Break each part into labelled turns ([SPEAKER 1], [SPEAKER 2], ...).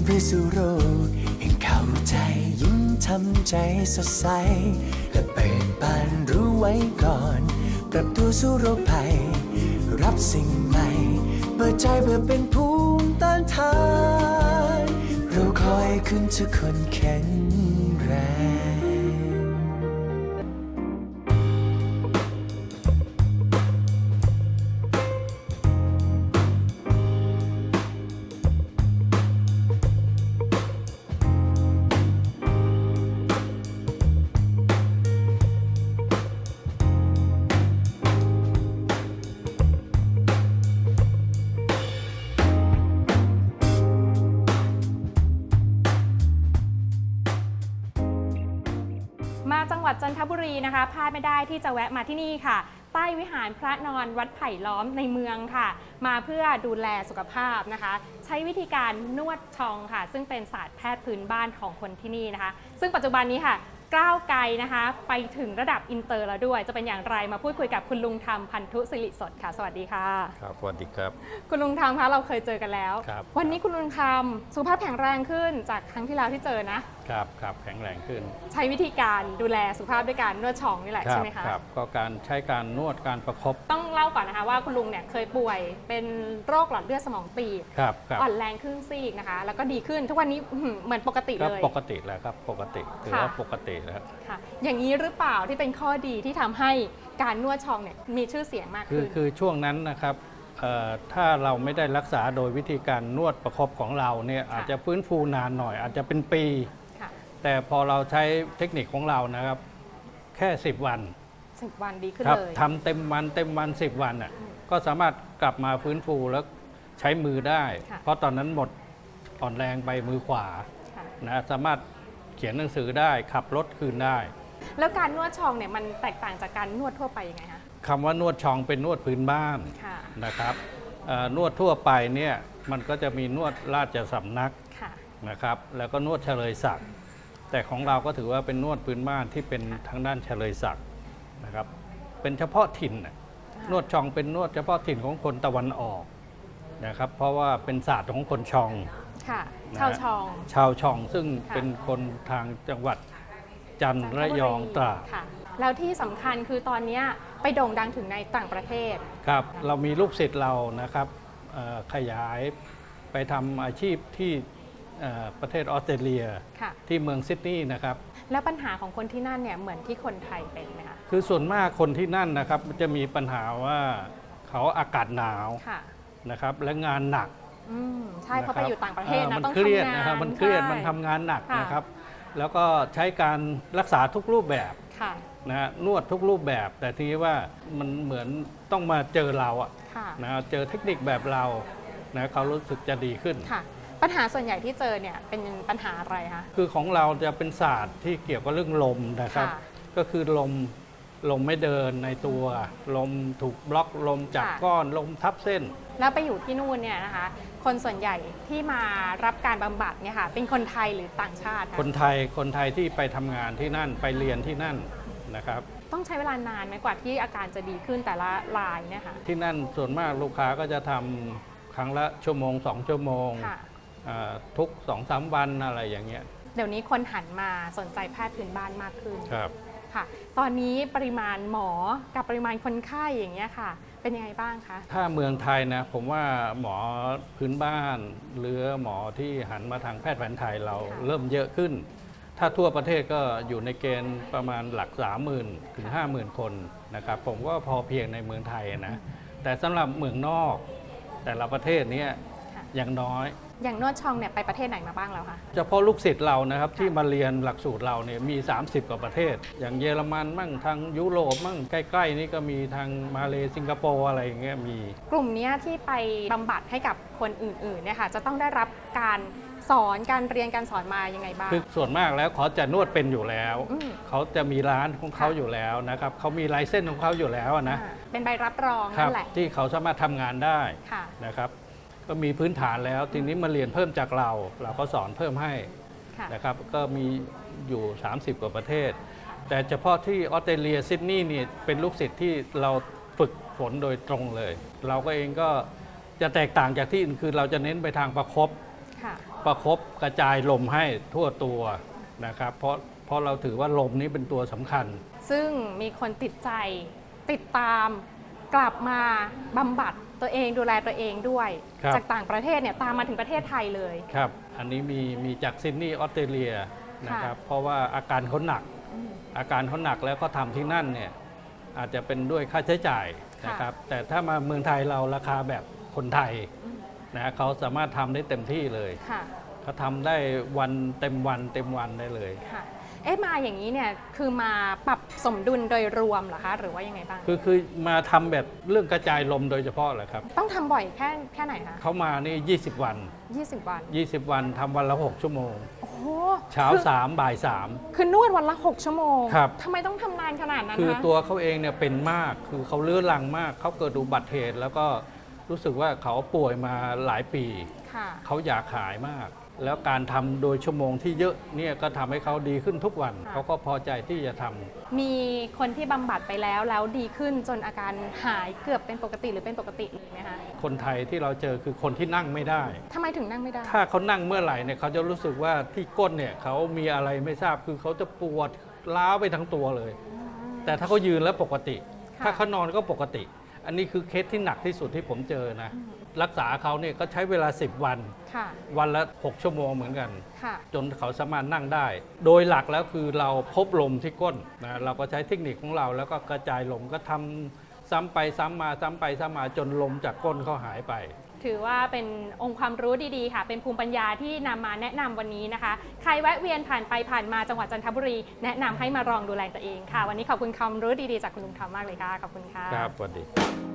[SPEAKER 1] พื่อสู่โลกแห่งเข้าใจยิ้มทำใจสดใสและเปิดบานรู้ไว้ก่อนปรับตัวสู่โรคภัยรับสิ่งใหม่เปิดใจเพื่อเป็นภูมิต้านทานเราคอยขึ้นทุกคนแข็งแรง
[SPEAKER 2] มาจังหวัดจันทบุรีนะคะพลาดไม่ได้ที่จะแวะมาที่นี่ค่ะใต้วิหารพระนอนวัดไผ่ล้อมในเมืองค่ะมาเพื่อดูแลสุขภาพนะคะใช้วิธีการนวดชองค่ะซึ่งเป็นศาสตร์แพทย์พื้นบ้านของคนที่นี่นะคะซึ่งปัจจุบันนี้ค่ะก้าวไกลนะคะไปถึงระดับอินเตอร์แล้วด้วยจะเป็นอย่างไรมาพูดคุยกับคุณลุงธรรมพันธุสิริสดค่ะสวัสดีค่ะ
[SPEAKER 3] ครับสวัสดีครับ
[SPEAKER 2] คุณลุงธรรมคะเราเคยเจอกันแล้ว
[SPEAKER 3] ครับ
[SPEAKER 2] วันนี้คุณลุงธรรมสุขภาพแข็งแรงขึ้นจากครั้งที่แล้วที่เจอนะครับ
[SPEAKER 3] แข็งแรงขึ้น
[SPEAKER 2] ใช้วิธีการดูแลสุขภาพด้วยการนวดชองนี่แหละใช่ไหมคะ
[SPEAKER 3] ครับก็การใช้การนวดการประคบ
[SPEAKER 2] ต้องเล่าก่อนนะคะว่าคุณลุงเนี่ยเคยป่วยเป็นโรคหลอดเลือดสมองตีบอ่อนแรงครึ่งซีกนะคะแล้วก็ดีขึ้นทุกวันนี้เหมือนปกติเลย
[SPEAKER 3] ปกติแล้วครับปกติถือว่าปกติแล้ว
[SPEAKER 2] ค่ะอย่างนี้หรือเปล่าที่เป็นข้อดีที่ทำให้การนวดชองเนี่ยมีชื่อเสียงมากขึ้น
[SPEAKER 3] คือช่วงนั้นนะครับถ้าเราไม่ได้รักษาโดยวิธีการนวดประคบของเราเนี่ยอาจจะฟื้นฟูนานหน่อยอาจจะเป็นปีแต่พอเราใช้เทคนิคของเรานะครับแค่10 วัน
[SPEAKER 2] 10 วันดีขึ้นเลย
[SPEAKER 3] ทำเต็มวัน10 วันอ่ะก็สามารถกลับมาฟื้นฟูแล้วใช้มือได้เพราะตอนนั้นหมดอ่อนแรงไปมือขวานะสามารถเขียนหนังสือได้ขับรถคืนได้
[SPEAKER 2] แล้วการนวดชองเนี่ยมันแตกต่างจากการนวดทั่วไปยังไงคะ
[SPEAKER 3] คำว่านวดชองเป็นนวดพื้นบ้านนะครับนวดทั่วไปเนี่ยมันก็จะมีนวดราชสำนักนะครับแล้วก็นวดเฉลยศักดิ์แต่ของเราก็ถือว่าเป็นนวดพื้นบ้านที่เป็นทางด้านเฉลยศักดิ์นะครับเป็นเฉพาะถิ่นนวดชองเป็นนวดเฉพาะถิ่นของคนตะวันออกนะครับเพราะว่าเป็นศาสตร์ของคนชอง
[SPEAKER 2] ชาว
[SPEAKER 3] ชองซึ่งเป็นคนทางจังหวัดจันทร์ระยองตราด
[SPEAKER 2] แล้วที่สำคัญคือตอนนี้ไปโด่งดังถึงในต่างประเทศ
[SPEAKER 3] ครับเรามีลูกศิษย์เรานะครับขยายไปทำอาชีพที่ประเทศออสเตรเลียที่เมืองซิดนีย์นะครับ
[SPEAKER 2] แล้วปัญหาของคนที่นั่นเนี่ยเหมือนที่คนไทยเป็นไหมคะ
[SPEAKER 3] คือส่วนมากคนที่นั่นนะครับจะมีปัญหาว่าเขาอากาศหนาวนะครับและงานหนัก
[SPEAKER 2] ใช่เพราะไปอยู่ต่างประเทศนะต้อง
[SPEAKER 3] ทำงานนะครับมันเครียดมันทำงานหนักนะครับแล้วก็ใช้การรักษาทุกรูปแบบนะนวดทุกรูปแบบแต่ทีนี้ว่ามันเหมือนต้องมาเจอเราอะนะเจอเทคนิคแบบเรานะเขารู้สึกจะดีขึ้น
[SPEAKER 2] ปัญหาส่วนใหญ่ที่เจอเนี่ยเป็นปัญหาอะไรคะ
[SPEAKER 3] คือของเราจะเป็นศาสตร์ที่เกี่ยวกับเรื่องลมนะครับก็คือลมไม่เดินในตัวลมถูกบล็อกลมจากก้อนลมทับเส้น
[SPEAKER 2] แล้วไปอยู่ที่นู่นเนี่ยนะคะคนส่วนใหญ่ที่มารับการบำบัดเนี่ยค่ะเป็นคนไทยหรือต่างชาติ
[SPEAKER 3] คนไทยที่ไปทำงานที่นั่นไปเรียนที่นั่นนะครับ
[SPEAKER 2] ต้องใช้เวลานานไหมกว่าที่อาการจะดีขึ้นแต่ละรายเนี่ยค่ะ
[SPEAKER 3] ที่นั่นส่วนมากลูกค้าก็จะทำครั้งละ1-2 ชั่วโมงทุก 2-3 วันอะไรอย่างเงี้ย
[SPEAKER 2] เดี๋ยวนี้คนหันมาสนใจแพทย์พื้นบ้านมากขึ้น
[SPEAKER 3] ครับ
[SPEAKER 2] ค่ะตอนนี้ปริมาณหมอกับปริมาณคนไข้อย่างเงี้ยค่ะเป็นยังไงบ้างคะ
[SPEAKER 3] ถ้าเมืองไทยนะผมว่าหมอพื้นบ้านหรือหมอที่หันมาทางแพทย์แผนไทยเราเริ่มเยอะขึ้นถ้าทั่วประเทศก็อยู่ในเกณฑ์ประมาณหลัก 30,000 ถึง 50,000 คนนะครับผมว่าพอเพียงในเมืองไทยนะแต่สำหรับเมืองนอกแต่ละประเทศนี้อย่างน้อย
[SPEAKER 2] อย่างนวดชองเนี่ยไปประเทศไหนมาบ้างแล้วคะ
[SPEAKER 3] เฉพาะลูกศิษย์เรานะครับที่มาเรียนหลักสูตรเราเนี่ยมี30 กว่าประเทศอย่างเยอรมันมั่งทางยุโรปมั่งใกล้ๆนี่ก็มีทางมาเลสิงคโปร์อะไรอย่างเงี้ยมี
[SPEAKER 2] กลุ่มนี้ที่ไปบำบัดให้กับคนอื่นๆเนี่ยค่ะจะต้องได้รับการสอนการเรียนการสอนมายังไงบ้าง
[SPEAKER 3] คือส่วนมากแล้วเขาจะนวดเป็นอยู่แล้วเขาจะมีร้านของเขาอยู่แล้วนะครับเขามีไลเซนส์ของเขาอยู่แล้วนะ
[SPEAKER 2] เป็นใบรับรองนั่นแหละ
[SPEAKER 3] ที่เขาสามารถทำงานได้นะครับก็มีพื้นฐานแล้วทีนี้มาเรียนเพิ่มจากเราก็สอนเพิ่มให้นะครับก็มีอยู่30 กว่าประเทศแต่เฉพาะที่ออสเตรเลียซิดนีย์นี่เป็นลูกศิษย์ที่เราฝึกฝนโดยตรงเลยเราก็เองก็จะแตกต่างจากที่อื่นคือเราจะเน้นไปทางประคบ
[SPEAKER 2] ค่ะ
[SPEAKER 3] ประคบกระจายลมให้ทั่วตัวนะครับเพราะเราถือว่าลมนี้เป็นตัวสำคัญ
[SPEAKER 2] ซึ่งมีคนติดใจติดตามกลับมาบำบัดตัวเองดูแลตัวเองด้วย
[SPEAKER 3] ครับ
[SPEAKER 2] จากต่างประเทศเนี่ยตามมาถึงประเทศไทยเลย
[SPEAKER 3] ครับอันนี้มีจากซิดนีย์ออสเตรเลียนะครับเพราะว่าอาการเขาหนัก อาการเขาหนักแล้วก็ทำที่นั่นเนี่ยอาจจะเป็นด้วยค่าใช้จ่ายนะครับแต่ถ้ามาเมืองไทยเราราคาแบบคนไทยนะเขาสามารถทำได้เต็มที่เลย
[SPEAKER 2] ค่ะ
[SPEAKER 3] เขาทำได้วันเต็มวันได้เลย
[SPEAKER 2] ค่ะมาอย่างนี้เนี่ยคือมาปรับสมดุลโดยรวมเหรอคะหรือว่ายังไงบ้าง
[SPEAKER 3] คือมาทำแบบเรื่องกระจายลมโดยเฉพาะแหละครับ
[SPEAKER 2] ต้องทำบ่อยแค่ไหนคะ
[SPEAKER 3] เขามานี่20 วัน
[SPEAKER 2] 20 วัน
[SPEAKER 3] 20 วันทำวันละ6 ชั่วโมง
[SPEAKER 2] โอ้โห
[SPEAKER 3] เช้า
[SPEAKER 2] คือ
[SPEAKER 3] 3 บ่าย
[SPEAKER 2] คือนวดวันละ 6 ชั่วโมง
[SPEAKER 3] ครับ
[SPEAKER 2] ทำไมต้องทำนานขนาดนั้น
[SPEAKER 3] 3 คือ
[SPEAKER 2] คะ
[SPEAKER 3] ตัวเขาเองเนี่ยเป็นมากคือเขาเลื้อรังมากเขาเกิดอุบัติเหตุแล้วก็รู้สึกว่าเขาป่วยมาหลายปี
[SPEAKER 2] ค่ะ
[SPEAKER 3] เขาอยากหายมาก แล้วการทำโดยชั่วโมงที่เยอะเนี่ยก็ทำให้เขาดีขึ้นทุกวัน
[SPEAKER 2] ค่ะ
[SPEAKER 3] เขาก็พอใจที่จะทำ
[SPEAKER 2] มีคนที่บำบัดไปแล้วดีขึ้นจนอาการหายเกือบเป็นปกติหรือเป็นปกติเลยไหมคะ
[SPEAKER 3] คนไทยที่เราเจอคือคนที่นั่งไม่ได้
[SPEAKER 2] ทำไมถึงนั่งไม่ได้
[SPEAKER 3] ถ้าเขานั่งเมื่อไหร่เนี่ยเขาจะรู้สึกว่าที่ก้นเนี่ยเขามีอะไรไม่ทราบคือเขาจะปวดล้าวไปทั้งตัวเลย แต่ถ้าเขายืนแล้วปกติ
[SPEAKER 2] ค่ะ
[SPEAKER 3] ถ้าเขานอนก็ปกติ อันนี้คือเคสที่หนักที่สุดที่ผมเจอนะ รักษาเขาเนี่ยก็ใช้เวลา 10 วัน
[SPEAKER 2] ค่ะ
[SPEAKER 3] วันละ 6 ชั่วโมงเหมือนกัน
[SPEAKER 2] ค่ะ
[SPEAKER 3] จนเขาสามารถนั่งได้ โดยหลักแล้วคือเราพบลมที่ก้นนะเราก็ใช้เทคนิคของเราแล้วก็กระจายลมก็ทำซ้ำไปซ้ำมาซ้ำไปซ้ำมาจนลมจากก้นเขาหายไป
[SPEAKER 2] ถือว่าเป็นองค์ความรู้ดีๆค่ะ เป็นภูมิปัญญาที่นำมาแนะนำวันนี้นะคะ ใครแวะเวียนผ่านไปผ่านมาจังหวัดจันทบุรี แนะนำให้มาลองดูแลตัวเองค่ะ วันนี้ขอบคุณความรู้ดีๆจากคุณลุงทอมมากเลยค่ะ ขอบคุณค่ะ
[SPEAKER 3] ครับสวัสดี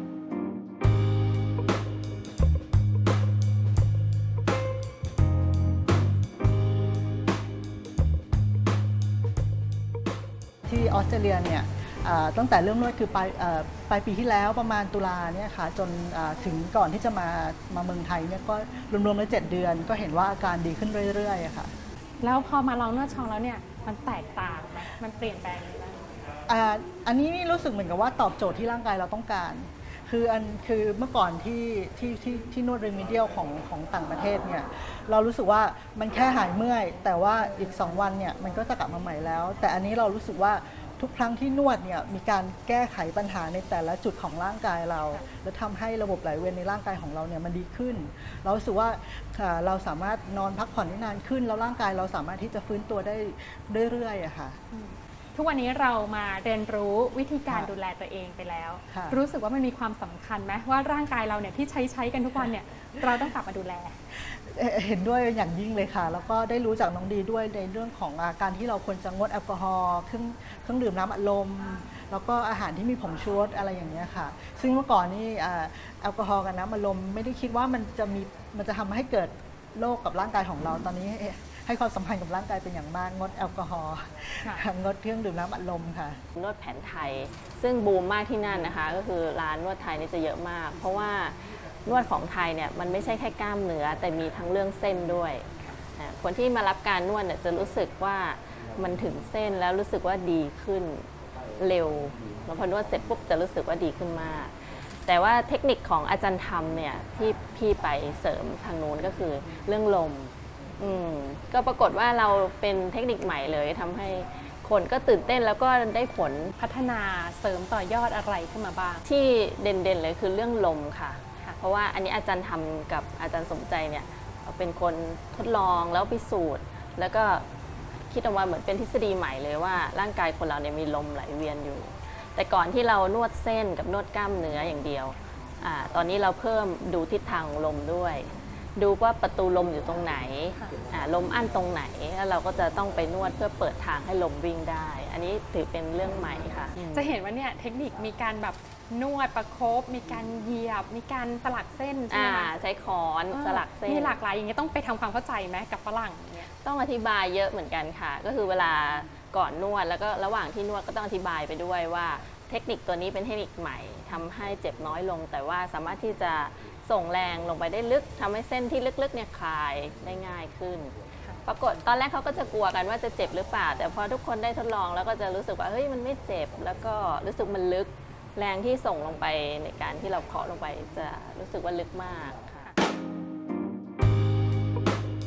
[SPEAKER 4] ที่ออสเตรเลียเนี่ยตั้งแต่เริ่มนวดคือปลายปีที่แล้วประมาณตุลาเนี่ยค่ะจนถึงก่อนที่จะมาเมืองไทยเนี่ยก็รวมๆแล้ว7 เดือนก็เห็นว่าอาการดีขึ้นเรื่อยๆอะค่ะ
[SPEAKER 2] แล้วพอมาลองนวดชองแล้วเนี่ยมันแตกต่างไหมมันเปลี่ยนแปลงอะไรบ้าง
[SPEAKER 4] อันนี้นี่รู้สึกเหมือนกับว่าตอบโจทย์ที่ร่างกายเราต้องการ คือเมื่อก่อนที่นวดเรมิเดียลของต่างประเทศเนี่ยเรารู้สึกว่ามันแค่หายเมื่อย แต่ว่าอีก2 วันเนี่ยมันก็จะกลับมาใหม่แล้ว แต่อันนี้เรารู้สึกว่าทุกครั้งที่นวดเนี่ยมีการแก้ไขปัญหาในแต่ละจุดของร่างกายเรา และทำให้ระบบไหลเวียนในร่างกายของเราเนี่ยมันดีขึ้น เรารู้สึกว่าเราสามารถนอนพักผ่อนได้นานขึ้น แล้วร่างกายเราสามารถที่จะฟื้นตัวได้เรื่อยๆอะค่ะ
[SPEAKER 2] ทุกวันนี้เรามาเรียนรู้วิธีการ
[SPEAKER 4] ค่ะ
[SPEAKER 2] ดูแลตัวเองไปแล้ว
[SPEAKER 4] ค่ะ
[SPEAKER 2] รู้สึกว่ามันมีความสำคัญไหมว่าร่างกายเราเนี่ยที่ใช้กันทุกวันเนี่ยเราต้องกลับมาดูแล
[SPEAKER 4] เห็นด้วยอย่างยิ่งเลยค่ะ แล้วก็ได้รู้จากน้องดีด้วยในเรื่องของการที่เราควรจะงดแอลกอฮอล์เครื่องดื่มน้ำอัดลม แล้วก็อาหารที่มีผงชูรสอะไรอย่างเงี้ยค่ะ ซึ่งเมื่อก่อนนี่แอลกอฮอล์กับน้ำอัดลมไม่ได้คิดว่ามันจะทำให้เกิดโรคกับร่างกายของเราตอนนี้ให้ความสัมพันธ์กับร่างกายเป็นอย่างมากงดแอลกอฮอล์
[SPEAKER 2] ค่ะ
[SPEAKER 4] งดเครื่องดื่มน้ำอัดลมค่ะ
[SPEAKER 5] นวดแผนไทยซึ่งบูมมากที่นั่นนะคะก็คือร้านนวดไทยนี่จะเยอะมาก เพราะว่านวดของไทยเนี่ยมันไม่ใช่แค่กล้ามเนื้อแต่มีทั้งเรื่องเส้นด้วยคนที่มารับการนวดเนี่ยจะรู้สึกว่ามันถึงเส้นแล้วรู้สึกว่าดีขึ้นเร็วแล้วพอนวดเสร็จปุ๊บจะรู้สึกว่าดีขึ้นมาก แต่ว่าเทคนิคของอาจารย์ธรรมเนี่ยที่พี่ไปเสริมทางโน้นก็คือเรื่องลมก็ปรากฏว่าเราเป็นเทคนิคใหม่เลยทำให้คนก็ตื่นเต้นแล้วก็ได้ผล
[SPEAKER 2] พัฒนาเสริมต่อยอดอะไรขึ้นมาบ้าง
[SPEAKER 5] ที่เด่นๆเลยคือเรื่องลมค่ะ
[SPEAKER 2] ค่ะ
[SPEAKER 5] เพราะว่าอันนี้อาจารย์ทำกับอาจารย์สมใจเนี่ยเป็นคนทดลองแล้วพิสูจน์ แล้วก็คิดออกมาเหมือนเป็นทฤษฎีใหม่เลยว่าร่างกายคนเราเนี่ยมีลมไหลเวียนอยู่ แต่ก่อนที่เรานวดเส้นกับนวดกล้ามเนื้ออย่างเดียวตอนนี้เราเพิ่มดูทิศทางลมด้วย ดูว่าประตูลมอยู่ตรงไหนลมอั้นตรงไหนแล้วเราก็จะต้องไปนวดเพื่อเปิดทางให้ลมวิ่งได้ อันนี้ถือเป็นเรื่องใหม่ค่ะ
[SPEAKER 2] จะเห็นว่าเนี่ยเทคนิคมีการแบบนวดประคบมีการเหยียบ มีการสลักเส้นใช่ไหมคะ
[SPEAKER 5] ใช้ค้อนสลักเส้น
[SPEAKER 2] มีหลากหลายอย่างเงี้ยต้องไปทำความเข้าใจไหมกับฝรั่งเนี่ย
[SPEAKER 5] ต้องอธิบายเยอะเหมือนกันค่ะ ก็คือเวลาก่อนนวดแล้วก็ระหว่างที่นวดก็ต้องอธิบายไปด้วยว่าเทคนิคตัวนี้เป็นเทคนิคใหม่ทำให้เจ็บน้อยลง แต่ว่าสามารถที่จะส่งแรงลงไปได้ลึกทำให้เส้นที่ลึกๆเนี่ยคลายได้ง่ายขึ้น ปรากฏตอนแรกเขาก็จะกลัวกันว่าจะเจ็บหรือเปล่า แต่พอทุกคนได้ทดลองแล้วก็จะรู้สึกว่าเฮ้ยมันไม่เจ็บ แล้วก็รู้สึกมันลึกแรงที่ส่งลงไปในการที่เราเคาะลงไปจะรู้สึกว่าลึกมากค่ะ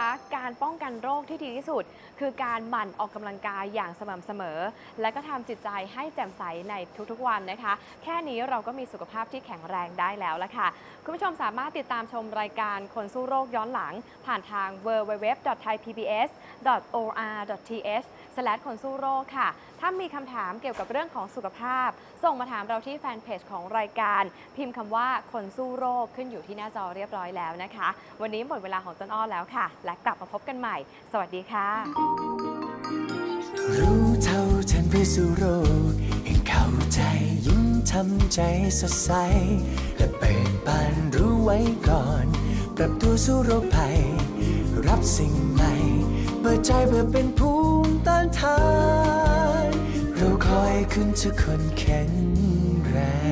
[SPEAKER 6] การป้องกันโรคที่ดีที่สุด คือการหมั่นออกกำลังกายอย่างสม่ำเสมอ และก็ทำจิตใจให้แจ่มใสในทุกๆวันนะคะแค่นี้เราก็มีสุขภาพที่แข็งแรงได้แล้วละค่ะคุณผู้ชมสามารถติดตามชมรายการคนสู้โรคย้อนหลังผ่านทาง www.thaipbs.or.th คนสู้โรคค่ะถ้ามีคำถามเกี่ยวกับเรื่องของสุขภาพส่งมาถามเราที่แฟนเพจของรายการพิมพ์คำว่าคนสู้โรคขึ้นอยู่ที่หน้าจอเรียบร้อยแล้วนะคะวันนี้หมดเวลาของต้นอ้อแล้วค่ะและกลับมาพบกันใหม่สวัสดีค่ะ
[SPEAKER 1] รู้เท่าทันเพื่อสู้โรคให้เข้าใจยิ้มทำใจสดใสและเปิดบานรู้ไว้ก่อนปรับตัวสู้โรคภัยรับสิ่งใหม่เปิดใจเพื่อเป็นภูมิต้านทานเราคอยคุณทุกคนแข็งแรง